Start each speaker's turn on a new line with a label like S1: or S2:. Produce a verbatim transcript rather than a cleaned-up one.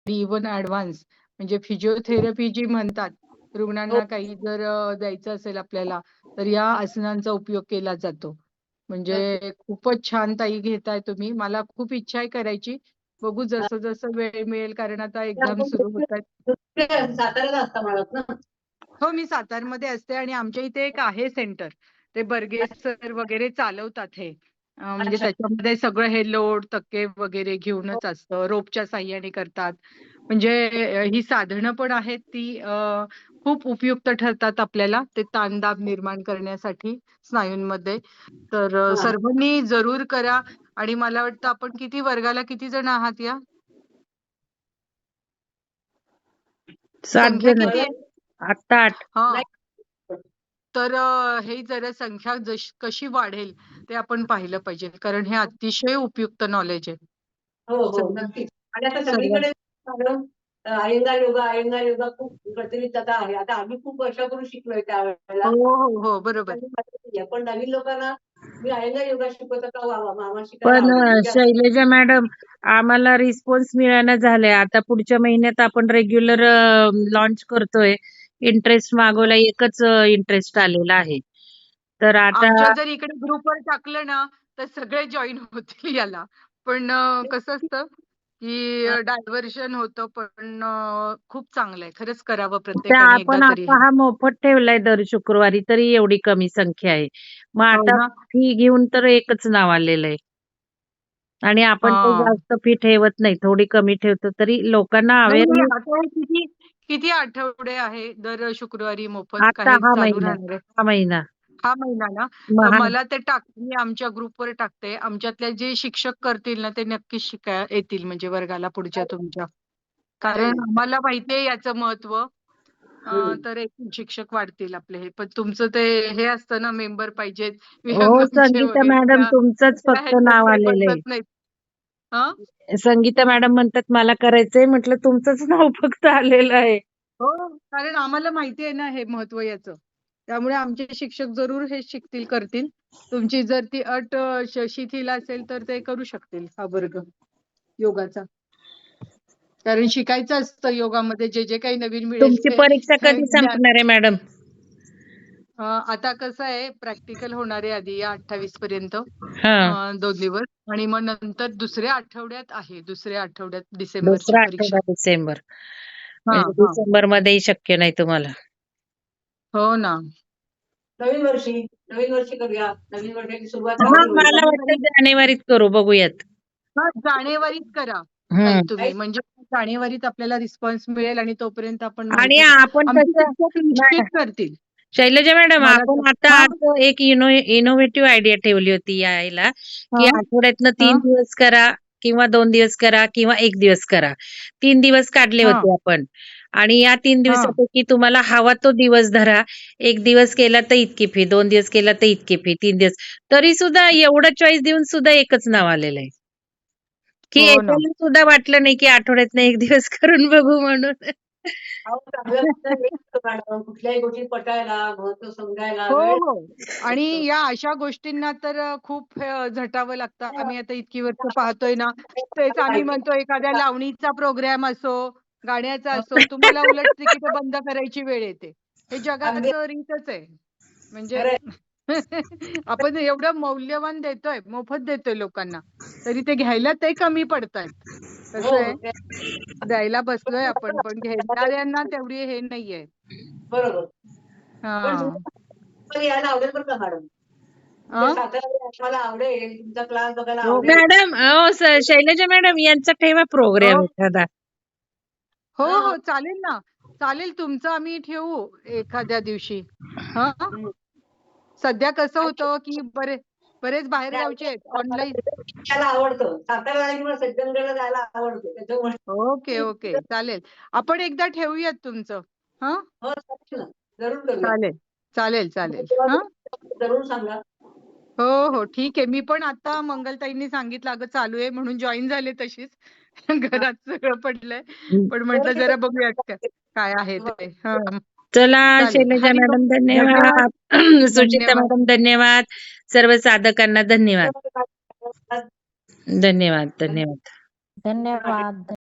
S1: Even advance म्हणजे physiotherapy जी म्हणतात,
S2: हो.
S1: रुग्णांना काही जर अ, द्यायचं असेल आपल्याला, तर या आसनांचा उपयोग केला जातो.
S2: नक्की.
S1: म्हणजे खूपच छान ताई घेताय तुम्ही. मला खूप इच्छा आहे करायची. बघू
S2: हां.
S1: जसं-जसं वेळ मिळेल कारण आता
S2: तर
S1: एक्झाम
S2: आपण
S1: सुरू होतायत.
S2: साताऱ्याला असता म्हणालात ना?
S1: हो, मी सातारमध्ये असते आणि आमच्या इथे एक आहे सेंटर. ते बर्गे
S2: अच्छा.
S1: सर वगैरे चालवतात हे. अ, म्हणजे
S2: अच्छा.
S1: त्याच्यामध्ये सगळं हे लोड, तक्के वगैरे
S2: हो.
S1: घेऊनच असतं. रोपच्या साहाय्याने करतात. म्हणजे अ, ही साधनं पण आहेत ती अ, खूप उपयुक्त ठरतात आपल्याला ते ताणदाब निर्माण करण्यासाठी स्नायूंमध्ये. तर अ,
S2: हां.
S1: सर्वांनी जरूर करा आणि मला वाटतं आपण किती वर्गाला किती जण आहात या?
S3: सात
S1: संख्या
S3: जण.
S1: किती आहे?
S3: आत्ता आठ.
S1: हां.
S2: नाही.
S1: तर अ, हे जरा संख्या जशी कशी वाढेल ते आपण पाहिलं पाहिजे. कारण हे अतिशय उपयुक्त नॉलेज आहे.
S2: हो, हो.
S1: सर्व
S2: नक्कीच. आणि आता
S1: सर्वां
S2: सगळीकडे मॅडम अ, अयंगार योगा, अयंगार योगा खूप प्रचलित आता आहे. आता आम्ही खूप वर्षापूर्वी शिकलोय त्यावेळेला.
S1: हो, हो, हो. बरोबर.
S2: पण नवीन लोकांना मी अयंगार योगा शिकवत होता. वाह, वाह! आम्हाला शिकायला
S3: पण
S2: आवडेल.
S3: अ,
S2: म्हणजे
S3: शैलजा मॅडम आम्हाला रिस्पॉन्स मिळेना झालाय. आता पुढच्या महिन्यात आपण रेग्युलर अ, लॉन्च करतोय. इंटरेस्ट मागवला एकच अ, इंटरेस्ट आलेला आहे. तर आता
S1: आमच्या जर इकडे ग्रुपवर टाकलं ना, तर सगळे जॉइन होतील याला. पण अ, कसं असतं, की
S2: हां.
S1: अ, डायव्हर्शन होतं पण अ, खूप चांगलं आहे. खरंच करावं
S3: त्या
S1: प्रत्येकाने एकदा
S3: आपण
S1: तरी
S3: आता
S1: हे.
S3: हा मोफत ठेवलाय दर शुक्रवारी तरी एवढी कमी संख्या आहे. मग
S1: हो
S3: आता
S1: ना?
S3: फी घेऊन तर एकच नाव आलेलं आहे. आणि आपण काही
S1: हां.
S3: जास्त फी ठेवत नाही. थोडी कमी ठेवतो तरी लोकांना
S1: नाही, नाही.
S3: अवेअरनेस
S1: आता हे किती किती आठवडे आहे दर शुक्रवारी मोफत का
S3: आता
S1: हे
S3: हा
S1: चालू
S3: महिना,
S1: राहणार आहे?
S3: हा महिना.
S1: हा महिना ना?
S3: मग
S1: तर
S3: हा
S1: मला ते टाक मी आमच्या ग्रुपवर टाकते. आमच्यातले जे शिक्षक करतील ना, ते नक्कीच शिकाय येतील म्हणजे वर्गाला पुढच्या तुमच्या.
S2: नाही,
S1: कारण
S2: नाही.
S1: आम्हाला माहिती आहे याचं महत्त्व. अ,
S2: हं.
S1: तर एक शिक्षक वाढतील आपले हे. पण तुमचं ते हे असतं ना मेंबर पाहिजेत,
S3: हो,
S1: विहंगमचे
S3: संगीता
S1: वगैरे
S3: मॅडम
S1: त्या
S3: तुमचंच
S1: त्या
S3: फक्त
S1: ह्याच्यात
S3: नाव
S1: ते
S3: आलेलं आहे.
S1: बसत नाहीत. हां?
S3: संगीता मॅडम म्हणतात मला करायचंय म्हटलं तुमचंच नाव फक्त आलेलं आहे.
S1: हो, कारण आम्हाला माहिती आहे ना हे महत्त्व याचं. त्यामुळे आमचे शिक्षक जरूर हे शिकतील, करतील. तुमची जर ती अट अ, श शिथिल असेल तर ते करू शकतील हा वर्ग योगाचा. कारण शिकायचं असतं योगामध्ये जे, जे काही नवीन मिळेल
S3: तुमची
S1: ते
S3: परीक्षा कधी
S1: ज्ञान.
S3: संपणार आहे मॅडम?
S1: अ, आता कसं आहे प्रॅक्टिकल होणार आहे आधी या अठ्ठावीस पर्यंत
S3: हां.
S1: अ, दोन दिवस आणि मग नंतर दुसऱ्या आठवड्यात आहे. दुसऱ्या आठवड्यात डिसेंबरची
S3: दुसरा
S1: परीक्षा.
S3: आठवडा डिसेंबर.
S1: हां,
S3: म्हणजे
S1: हां.
S3: डिसेंबरमध्येही शक्य नाही तुम्हाला.
S1: हो ना.
S2: नवीन वर्षी, नवीन वर्षी करूया. नवीन वर्षाची सुरुवात
S1: हो,
S3: हां,
S2: चांगली
S1: हो.
S2: होईल.
S3: मला
S1: जानेवारी
S3: वाटतं जानेवारीत करू बघूयात.
S1: हां, जानेवारीत करा ताई
S3: हं.
S1: तुम्ही. म्हणजे जानेवारीत आपल्याला रिस्पॉन्स मिळेल आणि तोपर्यंत आपण
S3: आणि
S1: माहिती देऊ.
S3: आपण
S1: आमचे
S3: कसं
S1: शिक्षक
S3: मॅडम
S1: निश्चित करतील.
S3: शैलजा मॅडम
S1: मला तर
S3: आपण आता
S1: हां,
S3: असं एक इनो इनोव्हेटिव्ह आयडिया ठेवली होती यायला, की
S1: हां,
S3: आठवड्यातनं तीन
S1: हां,
S3: दिवस करा किंवा दोन दिवस करा किंवा एक दिवस करा. तीन दिवस काढले
S1: हां,
S3: होते आपण आणि या तीन
S1: हां.
S3: दिवसापैकी तुम्हाला हवा तो दिवस धरा. एक दिवस केला तर इतकी फी, दोन दिवस केला तर इतकी फी, तीन दिवस तरी सुद्धा एवढं चॉईस देऊन सुद्धा एकच नाव आलेलं आहे. की
S1: हो ना.
S3: एकाला सुद्धा वाटलं नाही, की आठवड्यातनं एक दिवस करून बघू म्हणून.
S2: अहो, चांगलं तर हेच होतं मॅडम. कुठल्याही गोष्टी पटायला, महत्त्व समजायला
S1: हो,
S2: वेळ
S1: हो. आणि
S2: लागतो.
S1: या अशा गोष्टींना तर अ, खूप अ, झटावं लागतं. आम्ही आता इतकी वर्ष पाहतोय ना, तेच आम्ही म्हणतो एखाद्या लावणीचा प्रोग्राम असो, गाण्याचा असो, तुम्हाला उलट तिकीटं बंद करायची वेळ येते. हे
S2: अगदी
S1: जगाचं रीतच आहे. म्हणजे
S2: खरंय.
S1: आपण एवढं मौल्यवान देतोय, मोफत देतोय लोकांना, तरी ते घ्यायला ते कमी पडतायत.
S2: हो,
S1: कसं आहे,
S2: हो. ते
S1: द्यायला बसलोय आपण, पण
S2: बरोबर.
S1: घेणाऱ्यांना तेवढी हे नाहीये.
S2: बरोबर. पण
S1: हां.
S2: तुम्हाला यायला आवडेल बरं का मॅडम.
S1: अ?
S2: तुमच्या साताऱ्याला मला आवडेल. तुमचा क्लास बघायला
S1: हो.
S2: आवडेल.
S3: मॅडम अहो, स शैलजा मॅडम यांचा ठेवा
S1: हो.
S3: प्रोग्राम एखादा.
S1: हो,
S2: हां.
S1: हो. चालेल ना. चालेल तुमचं आम्ही ठेवू एखाद्या दिवशी. हां.
S2: हं.
S1: सध्या कसं
S2: आणि
S1: होतं, की बरे बरेच बाहेरगावचे आहेत
S2: मला
S1: ऑनलाईन.
S2: सज्जनगडाला आवडतं. साताऱ्याला आली की मला सज्जनगडला जायला आवडतं.
S1: ओके,
S2: त्याच्यामुळे
S1: ओके. चालेल. आपण एकदा ठेवूयात तुमचं. हां.
S2: हो, चालेल ना. जरूर करूया.
S1: चालेल. चालेल, चालेल.
S2: तेव्हा
S1: हां.
S2: जरूर सांगा.
S1: हो, हो. ठीक आहे. मी पण आता मंगलताईंनी सांगितलं अगं चालू आहे म्हणून जॉइन झाले तशीच.
S2: हां.
S1: घरात सगळं पडलंय. पण
S2: बरं
S1: म्हटलं
S2: मी
S1: जरा बघूयात
S2: करते.
S1: का काय आहे ते. हां.
S3: चला
S1: चालेल.
S3: शैलजा
S1: हरी
S3: मॅडम
S1: धन्यवाद.
S3: धन्यवाद. सुचिता
S1: धन्यवाद.
S3: मॅडम धन्यवाद. सर्व साधकांना धन्यवाद.
S2: धन्यवाद.
S3: धन्यवाद, धन्यवाद.
S4: धन्यवाद.